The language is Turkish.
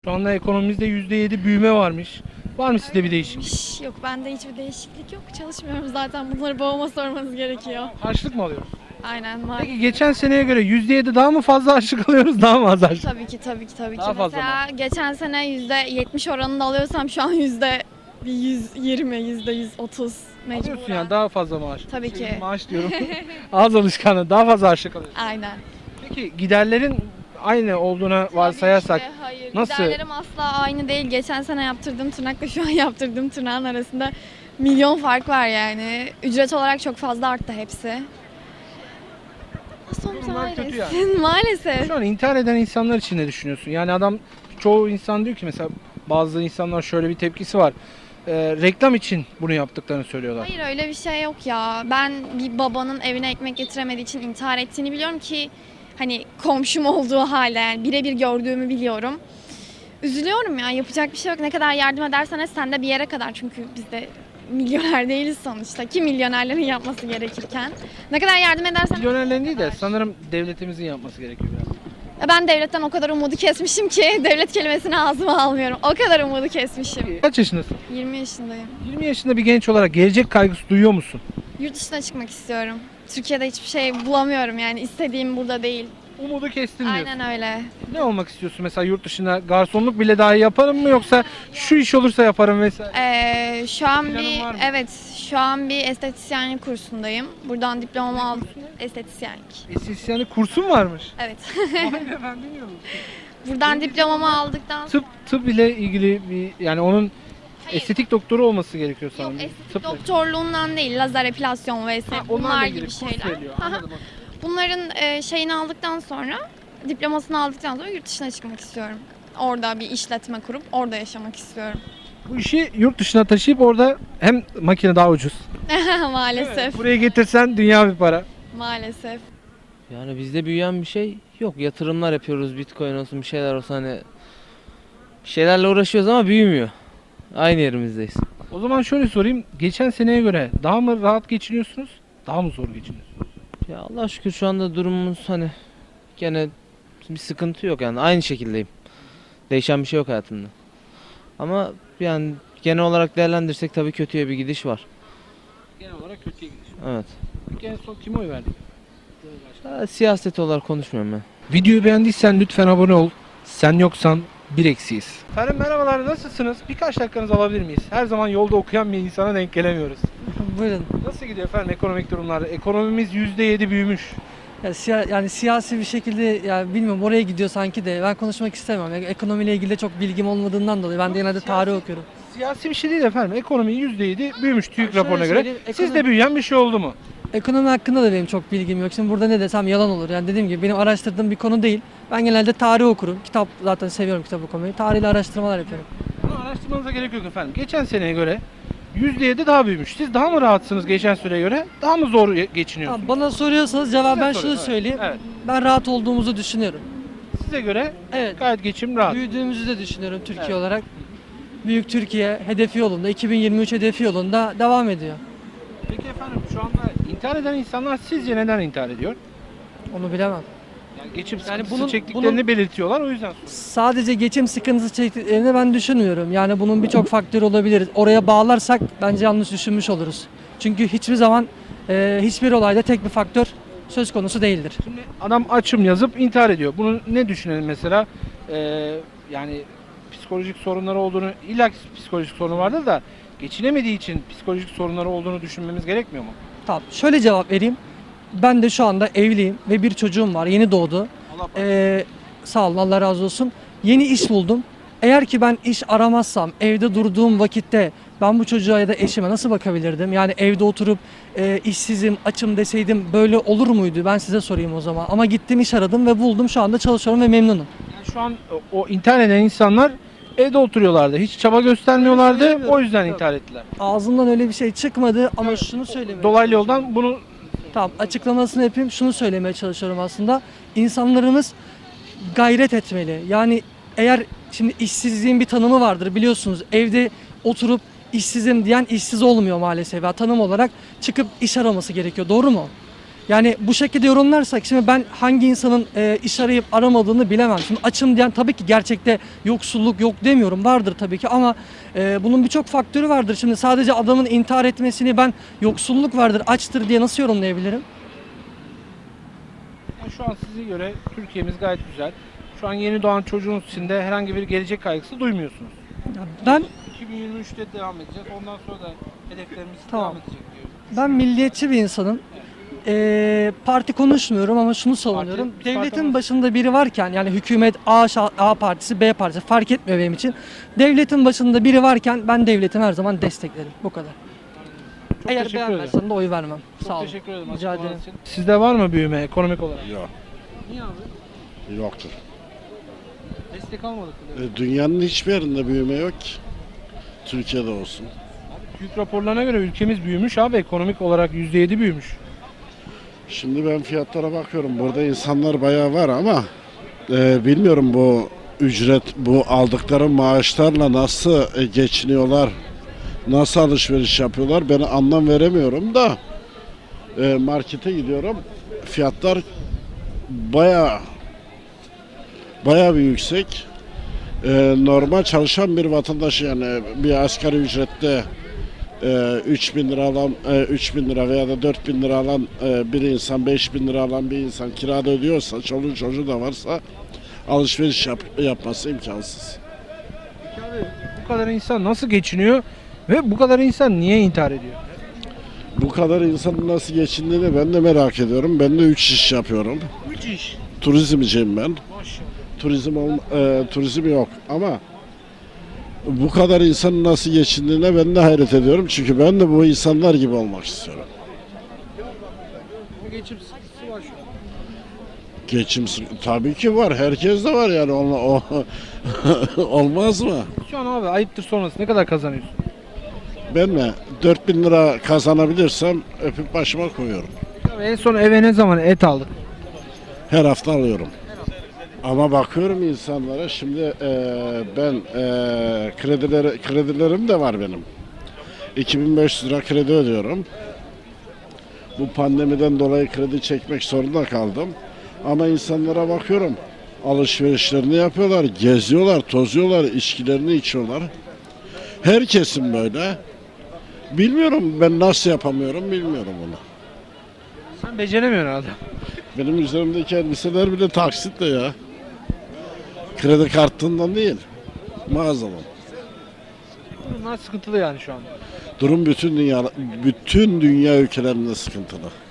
Şu anda ekonomimizde %7 büyüme varmış. Var mı sizde bir değişiklik? Yok, bende hiçbir değişiklik yok. Çalışmıyorum zaten. Bunları babama sormanız gerekiyor. Harçlık mı alıyoruz? Aynen var. Peki geçen seneye göre %7 daha mı fazla harçlık alıyoruz, daha mı az harçlık? Tabii ki. Daha fazla Mesela geçen sene %70 oranında alıyorsam şu an %120, %130 Alıyorsun mecburen. yani daha fazla maaş. Tabii ki. Maaş diyorum. Az alışkanlığı, daha fazla harçlık alıyorsun. Aynen. Peki giderlerin aynı olduğuna varsayarsak Tabii ki de, hayır. nasıl? Giderlerim asla aynı değil. Geçen sene yaptırdığım tırnakla şu an yaptırdığım tırnağın arasında milyon fark var yani. Ücret olarak çok fazla arttı hepsi. Son Durumlar kötü yani. Maalesef. Şu an intihar eden insanlar için ne düşünüyorsun? Yani çoğu insan diyor ki mesela bazı insanlar şöyle bir tepkisi var. Reklam için bunu yaptıklarını söylüyorlar. Hayır, öyle bir şey yok ya. Ben bir babanın evine ekmek getiremediği için intihar ettiğini biliyorum ki hani komşum olduğu halde yani birebir gördüğümü biliyorum. Üzülüyorum ya, yapacak bir şey yok. Ne kadar yardım edersen et sen de bir yere kadar, çünkü biz de milyoner değiliz sonuçta. Ki milyonerlerin yapması gerekirken. Ne kadar yardım edersen Milyonerlerin değil de sanırım devletimizin yapması gerekiyor biraz. ben devletten o kadar umudu kesmişim ki devlet kelimesini ağzıma almıyorum. O kadar umudu kesmişim. Kaç yaşındasın? 20 yaşındayım. 20 yaşında bir genç olarak gelecek kaygısı duyuyor musun? Yurt dışına çıkmak istiyorum. Türkiye'de hiçbir şey bulamıyorum yani, istediğim burada değil. Umudu kestin diyorsun. Aynen öyle. Ne olmak istiyorsun mesela yurt dışında? Garsonluk bile dahi yaparım mı yoksa şu iş olursa yaparım vesaire? Şu an Planın var mı? şu an bir estetisyenlik kursundayım. Buradan diplomamı aldım. Estetisyenlik. Estetisyenlik kursun varmış. Evet. Vay be, ben bilmiyordum. Buradan diplomamı aldıktan sonra Tıp ile ilgili bir yani onun estetik doktoru olması gerekiyor yok, sanırım. estetik doktorluğundan değil, lazer epilasyon vs. Onlarla bunlar ilgili gibi kurs şeyler. veriliyor. Aha. Anladım. Bunların şeyini aldıktan sonra, diplomasını aldıktan sonra yurt dışına çıkmak istiyorum. Orada bir işletme kurup orada yaşamak istiyorum. Bu işi yurt dışına taşıyıp orada hem makine daha ucuz. Maalesef. Buraya getirsen dünya bir para. Maalesef. Yani bizde büyüyen bir şey yok. Yatırımlar yapıyoruz. Bitcoin olsun, bir şeyler olsun, hani bir şeylerle uğraşıyoruz ama büyümüyor. Aynı yerimizdeyiz. O zaman şöyle sorayım. Geçen seneye göre daha mı rahat geçiniyorsunuz? Daha mı zor geçiniyorsunuz? Ya Allah şükür şu anda durumumuz hani gene bir sıkıntı yok, yani aynı şekildeyim. Değişen bir şey yok hayatımda. Ama yani genel olarak değerlendirsek tabii kötüye bir gidiş var. Genel olarak kötüye gidiyor. Evet. Peki en son kime oy verdin? Siyaset olarak konuşmuyorum ben. Videoyu beğendiysen lütfen abone ol. Sen yoksan bir eksiyiz. Efendim merhabalar, nasılsınız? Birkaç dakikanızı alabilir miyiz? Her zaman yolda okuyan bir insana denk gelemiyoruz. Buyurun. Nasıl gidiyor efendim ekonomik durumlar? Ekonomimiz %7 büyümüş. Ya, yani siyasi bir şekilde, ya bilmiyorum, oraya gidiyor sanki de ben konuşmak istemem. Yani ekonomiyle ilgili de çok bilgim olmadığından dolayı ben de genelde tarih okuyorum. Siyasi bir şey değil efendim. Ekonomi %7 büyümüş TÜİK Şöyle raporuna göre. söyleyeyim, Sizde büyüyen bir şey oldu mu? Ekonomi hakkında da benim çok bilgim yok. Şimdi burada ne desem yalan olur. Yani dediğim gibi benim araştırdığım bir konu değil. Ben genelde tarih okurum. Kitap, zaten seviyorum kitap okumayı. Tarihle araştırmalar yapıyorum. Bunu araştırmanıza gerek yok efendim. Geçen seneye göre %7 daha büyümüş. Siz daha mı rahatsınız geçen süreye göre? Daha mı zor geçiniyorsunuz? Tamam, bana soruyorsanız cevap Size ben soruyorum, şunu evet. söyleyeyim. Evet. Ben rahat olduğumuzu düşünüyorum. Size göre Evet. gayet geçim rahat. Büyüdüğümüzü de düşünüyorum Türkiye Evet. olarak. Büyük Türkiye hedefi yolunda, 2023 hedefi yolunda devam ediyor. Peki efendim şu anda intihar eden insanlar sizce neden intihar ediyor? Onu bilemem. Yani geçim Yani sıkıntısı bunun- çektiklerini belirtiyorlar, o yüzden. Sadece geçim sıkıntısı çektiklerini ben düşünmüyorum. Yani bunun birçok faktörü olabilir. Oraya bağlarsak bence yanlış düşünmüş oluruz. Çünkü hiçbir zaman hiçbir olayda tek bir faktör söz konusu değildir. Şimdi adam açım yazıp intihar ediyor. Bunu ne düşünelim mesela? Yani psikolojik sorunları olduğunu, illa ki psikolojik sorunu vardır da geçinemediği için psikolojik sorunları olduğunu düşünmemiz gerekmiyor mu? Tamam, şöyle cevap vereyim. Ben de şu anda evliyim ve bir çocuğum var. Yeni doğdu. Allah Sağ olun, Allah razı olsun. Yeni iş buldum. Eğer ki ben iş aramazsam, evde durduğum vakitte ben bu çocuğa ya da eşime nasıl bakabilirdim? Yani evde oturup işsizim, açım deseydim böyle olur muydu? Ben size sorayım o zaman. Ama gittim, iş aradım ve buldum. Şu anda çalışıyorum ve memnunum. Yani şu an o intihar eden insanlar evde oturuyorlardı. Hiç çaba göstermiyorlardı. söylemiyorum. O yüzden Yok. intihar ettiler. Ağzımdan öyle bir şey çıkmadı ama şunu söylemeye Dolaylı yoldan bunu Tamam, açıklamasını yapayım. Şunu söylemeye çalışıyorum aslında. İnsanlarımız gayret etmeli. Yani eğer şimdi işsizliğin bir tanımı vardır biliyorsunuz. Evde oturup işsizim diyen işsiz olmuyor maalesef. Ya, tanım olarak çıkıp iş araması gerekiyor. Doğru mu? Yani bu şekilde yorumlarsak şimdi ben hangi insanın iş arayıp aramadığını bilemem. Şimdi açım diyen tabii ki gerçekte yoksulluk yok demiyorum. Vardır tabii ki ama bunun birçok faktörü vardır. Şimdi sadece adamın intihar etmesini ben yoksulluk vardır, açtır diye nasıl yorumlayabilirim? Yani şu an size göre Türkiye'miz gayet güzel. Şu an yeni doğan çocuğun içinde herhangi bir gelecek kaygısı duymuyorsunuz. Ya ben 2023'te devam edeceğiz. Ondan sonra da hedeflerimiz Tamam. devam edecek diyor. Ben milliyetçi bir insanım. Parti konuşmuyorum ama şunu savunuyorum. Parti- Devletin parti- başında biri varken yani hükümet A partisi B partisi fark etmiyor benim için. Devletin başında biri varken ben devletimi her zaman desteklerim. Bu kadar. Çok Eğer teşekkür ederim. beğenmezsen de oy vermem. Çok Sağ olun. teşekkür ederim. Rica açıklamalar ederim. için. Sizde var mı büyüme ekonomik olarak? Yok, Niye abi? yoktur. Destek almadık mı? Dünyanın hiçbir yerinde büyüme yok ki. Türkiye'de olsun. TÜİK raporlarına göre ülkemiz büyümüş abi. Ekonomik olarak %7 büyümüş. Şimdi ben fiyatlara bakıyorum. Burada insanlar bayağı var ama bilmiyorum bu ücret, bu aldıkları maaşlarla nasıl geçiniyorlar, nasıl alışveriş yapıyorlar ben anlam veremiyorum da markete gidiyorum. Fiyatlar bayağı bir yüksek. Normal çalışan bir vatandaş yani bir asgari ücrette 3.000 lira alan 3.000 lira veya da 4.000 lira alan bir insan 5.000 lira alan bir insan kirada ödüyorsa çoluğu çocuğu da varsa alışveriş yapması imkansız. Peki abi bu kadar insan nasıl geçiniyor ve bu kadar insan niye intihar ediyor? Bu kadar insanın nasıl geçindiğini ben de merak ediyorum. Ben de 3 iş yapıyorum. 3 iş. Turizmciyim ben. Maşallah. Turizm yok ama bu kadar insanın nasıl geçindiğine ben de hayret ediyorum. Çünkü ben de bu insanlar gibi olmak istiyorum. Geçim sıkıntısı var şu an. Tabii ki var. Herkes de var yani. Olmaz mı? Şu an abi ayıptır sonrası ne kadar kazanıyorsun? Ben mi? 4.000 lira kazanabilirsem öpüp başıma koyuyorum. Abi en son eve ne zaman et aldık? Her hafta alıyorum. Ama bakıyorum insanlara şimdi ben kredilerim de var benim. 2.500 lira kredi ödüyorum. Bu pandemiden dolayı kredi çekmek zorunda kaldım. Ama insanlara bakıyorum. Alışverişlerini yapıyorlar, geziyorlar, tozuyorlar, içkilerini içiyorlar. Herkesin böyle. Bilmiyorum ben nasıl yapamıyorum bilmiyorum bunu. Sen beceremiyorsun herhalde. Benim üzerimdeki elbiseler bile taksitle ya. Kredi kartından değil. Mağazadan. Bunlar sıkıntılı yani şu an. Durum bütün dünya ülkelerinde sıkıntılı.